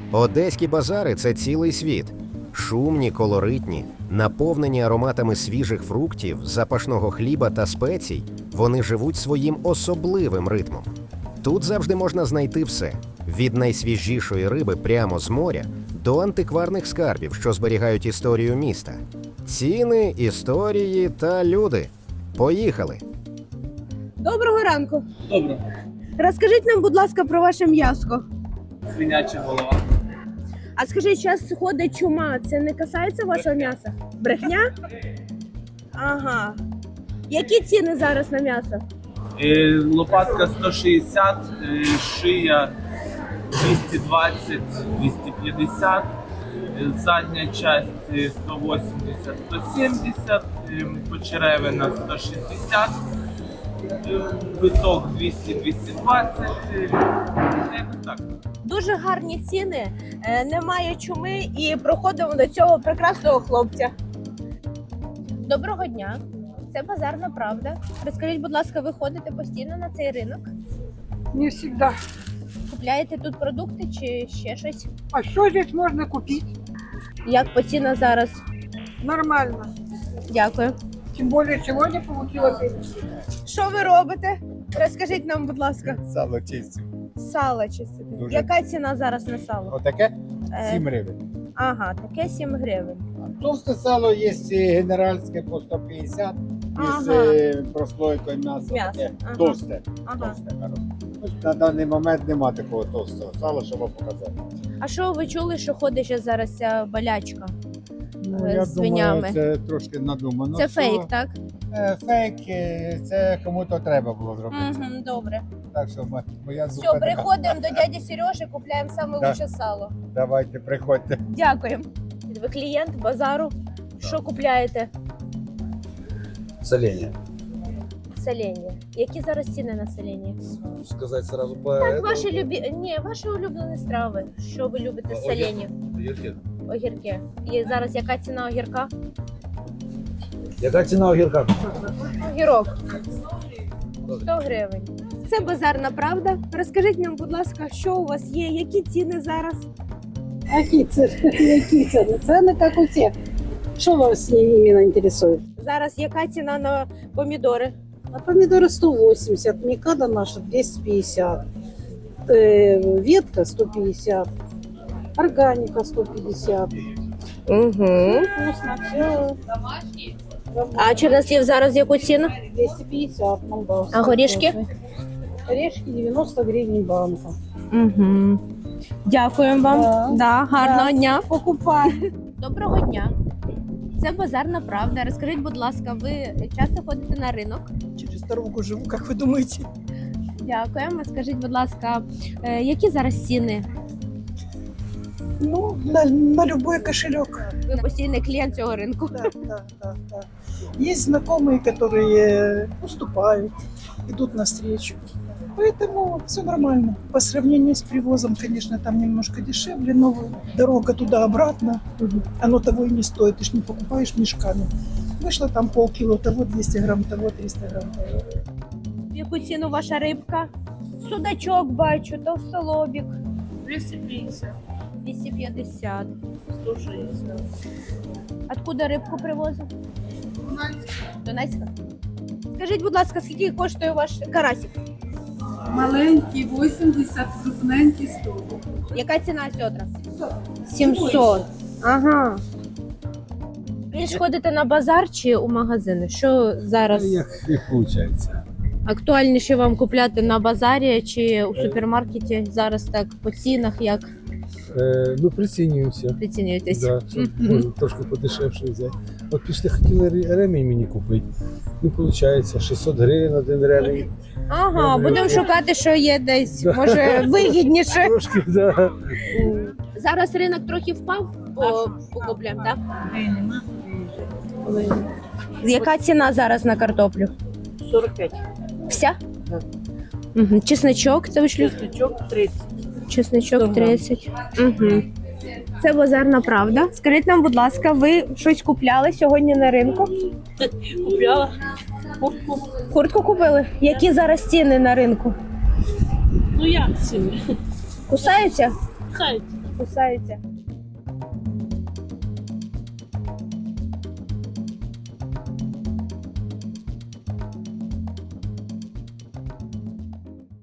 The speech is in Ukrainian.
Одеські базари – це цілий світ. Шумні, колоритні, наповнені ароматами свіжих фруктів, запашного хліба та спецій, вони живуть своїм особливим ритмом. Тут завжди можна знайти все – від найсвіжішої риби прямо з моря до антикварних скарбів, що зберігають історію міста. Ціни, історії та люди. Поїхали! Доброго ранку. Добре. Розкажіть нам, будь ласка, про ваше м'яско. Свиняча голова. А скажіть, зараз ходить чума, це не касається вашого м'яса? Брехня? Ага. Які ціни зараз на м'ясо? Лопатка 160, шия 220, 250, задня часть 180, 170, почеревина 160, биток 200, 220, якось так. Дуже гарні ціни, немає чуми і проходимо до цього прекрасного хлопця. Доброго дня, це Базарна Правда. Розкажіть, будь ласка, ви ходите постійно на цей ринок? Не всегда. Купляєте тут продукти чи ще щось? А что здесь можно купить? Як по цінах зараз? Нормально. Дякую. Тем более сегодня получилось. Що ви робите? Розкажіть нам, будь ласка. Сало чистю. Сало чистите. Дуже. Яка ціна зараз на сало? Отаке Е, 7 гривень. Ага, таке 7 гривень. Товсте сало є генеральське по 150 із Ага. прослойкою м'яса. М'ясо, Таке ага. товсте. Ага. Товсте, хороше. Ось на даний момент нема такого товстого сала, щоб вам показати. А що ви чули, що ходить ще зараз ця болячка? Ну, З я свинями. думаю, це трошки надумано. Це все. фейк, так? Фейк, це кому-то треба було зробити. Угу, добре. Так що моя Все, думка така. приходимо до дяді Сережі, купляємо саме Да. лучше сало. Давайте, приходьте. Дякуємо. Ви клієнт базару. Що купляєте? Соленья. Соленья. Які зараз ціни на соленья? Сказать сразу по Так, ваші улюблені страви. Що ви любите з соленья? Огірки. І зараз яка ціна огірка? Яка ціна огірка? Огірок. 100 гривень. Це Базарна Правда. Розкажіть нам, будь ласка, що у вас є, які ціни зараз? Які ціни? Які ціни? Ціни як у всіх. Що вас іменно інтересує? Зараз яка ціна на помідори? А помидоры 180, микада наша 250, ветка 150, органика 150. Угу. Вкусно, все. А чорнослів зараз яку ціну? 250 молдавский. А горішки? Орешки 90 гривен банка. Угу. Дякуємо вам. Да. Гарного Да. дня. Покупай. Доброго дня. Це Базарна Правда. Розкажіть, будь ласка, ви часто ходите на ринок? Через дорогу живу, как вы думаете? Дякуємо. Скажіть, будь ласка, які зараз ціни? Ну, на любой кошелек. Ви постійний клієнт цього ринку. Да. Есть знакомые, которые уступают, идут навстречу. Поэтому все нормально. По сравнению с привозом, конечно, там немножко дешевле, но дорога туда-обратно, оно того и не стоит. Ты ж не покупаешь мешками. Вышло там полкило того, 200 грамм того, 300 грамм того. В яку ціну ваша рибка? Судачок бачу, товстолобік. 250, 250. 160. Откуда рибку привозив? Донецька. Скажіть, будь ласка, скільки коштує ваш карасик? Маленький 80, крупненький 100. Яка ціна сьодра? 700. Ага. Більш ходите на базар чи у магазини? Що зараз Як виходить. актуальніше вам купляти на базарі чи у супермаркеті? Зараз так по цінах як Ну, прицінюємося. прицінюєтесь? Да, щоб можна трошки подешевше взяти. От пішли, хотіли ремінь мені купити. Ну, виходить, 600 гривень один ремінь. Ага, будемо шукати, що є десь, Да. може, вигідніше. Трошки, да. Зараз ринок трохи впав по покуплям, так? Яка ціна зараз на картоплю? 45. Вся? Угу. Чесничок, це вийшло? Чесночок 30. Чесничок 30. Угу. Це Базарна Правда. Скажіть нам, будь ласка, ви щось купляли сьогодні на ринку? Купляла. Куртку купили? Які зараз ціни на ринку? Ну як ціни? Кусаються? Сайт. кусаються.